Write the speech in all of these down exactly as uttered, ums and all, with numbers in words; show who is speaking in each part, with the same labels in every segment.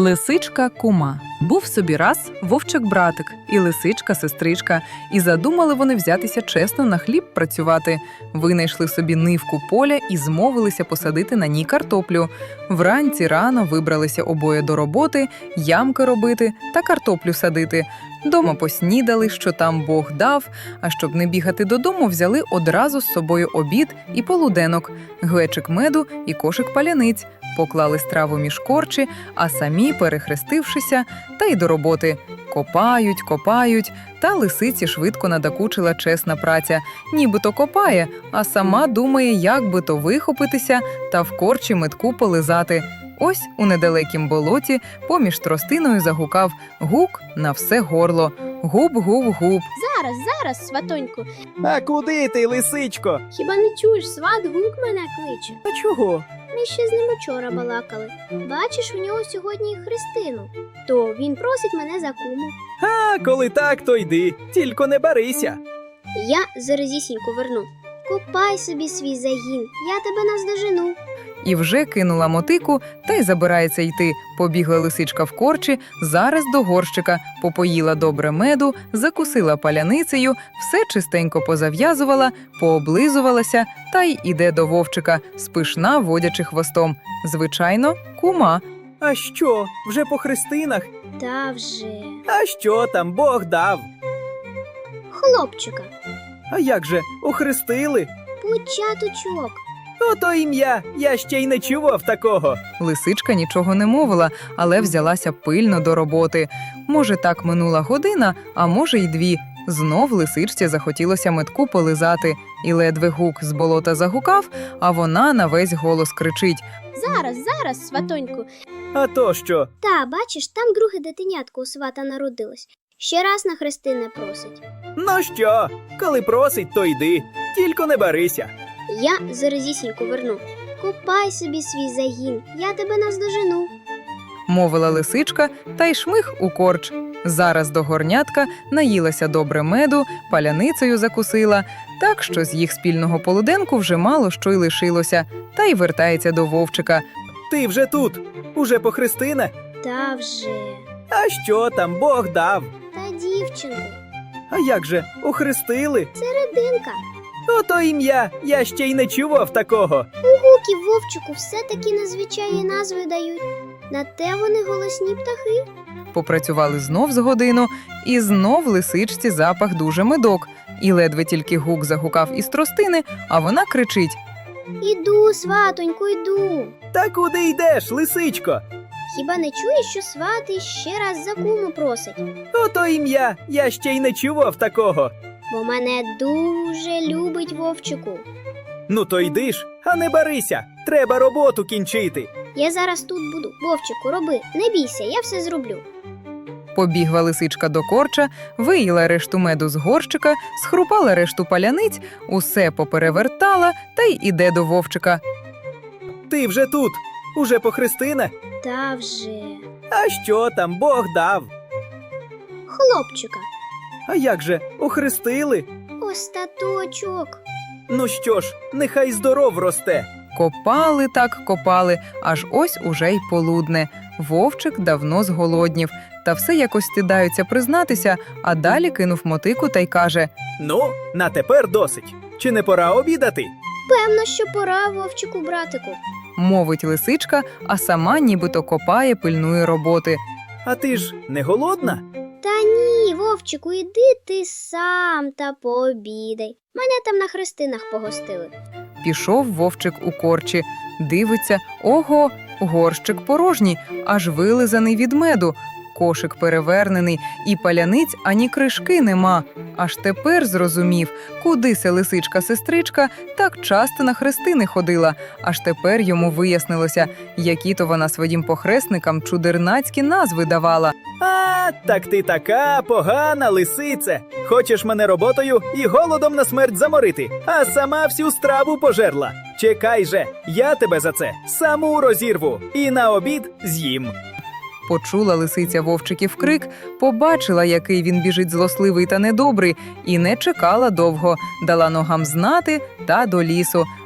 Speaker 1: Лисичка кума. Був собі раз вовчик-братик і лисичка-сестричка, і задумали вони взятися чесно на хліб працювати. Винайшли собі нивку поля і змовилися посадити на ній картоплю. Вранці рано вибралися обоє до роботи, ямки робити та картоплю садити. Дома поснідали, що там Бог дав, а щоб не бігати додому, взяли одразу з собою обід і полуденок, глечик меду і кошик паляниць, поклали страву між корчі, а самі, перехрестившися, та й до роботи. Копають, копають, та лисиці швидко надокучила чесна праця. Нібито копає, а сама думає, як би то вихопитися та в корчі метку полизати. Ось у недалекім болоті поміж тростиною загукав гук на все горло. Губ-губ-губ.
Speaker 2: Зараз, зараз, сватоньку.
Speaker 3: А куди ти, лисичко?
Speaker 2: Хіба не чуєш, сват гук мене кличе?
Speaker 3: А чого?
Speaker 2: Ми ще з ним учора балакали. Бачиш, у нього сьогодні хрестину. То він просить мене за куму.
Speaker 3: А, коли так, то йди, тільки не барися.
Speaker 2: Я заразісінько верну. Копай собі свій загін, я тебе наздожену.
Speaker 1: І вже кинула мотику, та й забирається йти. Побігла лисичка в корчі, зараз до горщика, попоїла добре меду, закусила паляницею, все чистенько позав'язувала, пооблизувалася, та й іде до вовчика, спишна водячи хвостом. Звичайно, кума.
Speaker 3: А що, вже по хрестинах?
Speaker 2: Та вже.
Speaker 3: А що там, Бог дав?
Speaker 2: Хлопчика.
Speaker 3: А як же, охрестили?
Speaker 2: Початочок.
Speaker 3: Ото ім'я, я ще й не чував такого.
Speaker 1: Лисичка нічого не мовила, але взялася пильно до роботи. Може, так минула година, а може й дві. Знов лисичці захотілося метку полизати. І ледве гук з болота загукав, а вона на весь голос кричить.
Speaker 2: Зараз, зараз, сватоньку.
Speaker 3: А то що?
Speaker 2: Та, бачиш, там друге дитинятко у свата народилось. Ще раз на хрестини просить.
Speaker 3: Ну що, коли просить, то йди, тільки не барися.
Speaker 2: Я заразісінько верну. Копай собі свій загін, я тебе наздожену.
Speaker 1: Мовила лисичка, та й шмих у корч. Зараз до горнятка наїлася добре меду, паляницею закусила, так що з їх спільного полуденку вже мало що й лишилося, та й вертається до вовчика.
Speaker 3: Ти вже тут, уже по хрестинах?
Speaker 2: Та вже.
Speaker 3: А що там, Бог дав?
Speaker 2: Та дівчинку.
Speaker 3: А як же, охрестили?
Speaker 2: Серединка.
Speaker 3: Ото ім'я, я ще й не чував такого.
Speaker 2: У гуків вовчику все-таки незвичайні назви дають. На те вони голосні птахи.
Speaker 1: Попрацювали знов з годину, і знов лисичці запах дуже медок. І ледве тільки гук загукав із тростини, а вона кричить.
Speaker 2: Іду, сватоньку, йду.
Speaker 3: Та куди йдеш, лисичко?
Speaker 2: Хіба не чуєш, що свати ще раз за куму просить?
Speaker 3: Ото ім'я, я ще й не чував такого.
Speaker 2: Бо мене дуже любить вовчику.
Speaker 3: Ну то йди ж, а не барися, треба роботу кінчити.
Speaker 2: Я зараз тут буду. Вовчику, роби, не бійся, я все зроблю.
Speaker 1: Побігла лисичка до корча, виїла решту меду з горщика, схрупала решту паляниць, усе поперевертала та й іде до вовчика.
Speaker 3: Ти вже тут, уже по хрестинах?
Speaker 2: Та вже.
Speaker 3: А що там, Бог дав?
Speaker 2: Хлопчика.
Speaker 3: А як же, охрестили?
Speaker 2: Остаточок.
Speaker 3: Ну що ж, нехай здоров росте.
Speaker 1: Копали так, копали, аж ось уже й полудне. Вовчик давно зголоднів, та все якось стидаються признатися, а далі кинув мотику та й каже.
Speaker 3: Ну, на тепер досить. Чи не пора обідати?
Speaker 2: Певно, що пора, вовчику, братику.
Speaker 1: Мовить лисичка, а сама нібито копає, пильнує роботи.
Speaker 3: А ти ж не голодна?
Speaker 2: Та ні, вовчику, іди ти сам та пообідай. Мене там на хрестинах погостили.
Speaker 1: Пішов вовчик у корчі, дивиться, ого, горщик порожній, аж вилизаний від меду, кошик перевернений, і паляниць ані кришки нема. Аж тепер зрозумів, куди се лисичка-сестричка так часто на хрестини ходила. Аж тепер йому вияснилося, які то вона своїм похресникам чудернацькі назви давала.
Speaker 3: А, так ти така погана лисице. Хочеш мене роботою і голодом на смерть заморити, а сама всю страву пожерла. Чекай же, я тебе за це саму розірву і на обід з'їм.
Speaker 1: Почула лисиця вовчиків крик, побачила, який він біжить злосливий та недобрий, і не чекала довго, дала ногам знати та до лісу.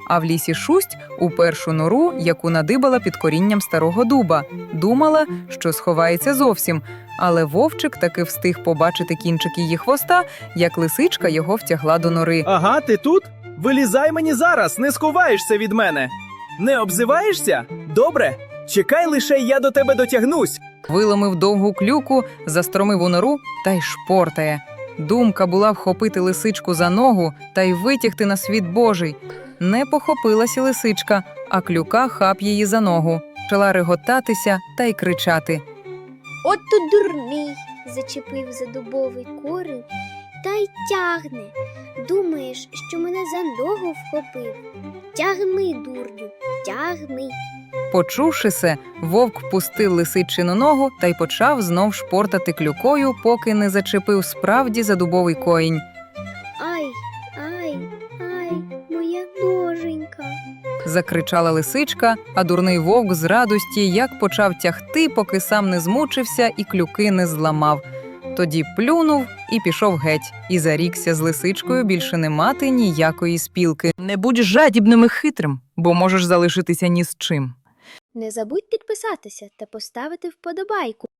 Speaker 1: а в лісі Шусть у першу нору, яку надибала під корінням старого дуба. Думала, що сховається зовсім, але вовчик таки встиг побачити кінчик її хвоста, як лисичка його втягла до нори.
Speaker 3: Ага, ти тут? Вилізай мені зараз, не сховаєшся від мене. Не обзиваєшся? Добре. Чекай лише, я до тебе дотягнусь.
Speaker 1: Виломив довгу клюку, застромив у нору та й шпортає. Думка була вхопити лисичку за ногу та й витягти на світ Божий. Не похопилася лисичка, а клюка хап її за ногу. Почала реготатися та й кричати.
Speaker 2: От тут дурний, зачепив за дубовий корінь та й тягне. Думаєш, що мене за ногу вхопив? Тягни, дурню, тягни.
Speaker 1: Почувши се, вовк пустив лисичину ногу та й почав знов шпортати клюкою, поки не зачепив справді за дубовий коїнь.
Speaker 2: Ай, ай, ай, моя ноженька.
Speaker 1: Закричала лисичка, а дурний вовк з радості як почав тягти, поки сам не змучився і клюки не зламав. Тоді плюнув і пішов геть, і зарікся з лисичкою більше не мати ніякої спілки. Не будь жадібним і хитрим, бо можеш залишитися ні з чим.
Speaker 2: Не забудь підписатися та поставити вподобайку.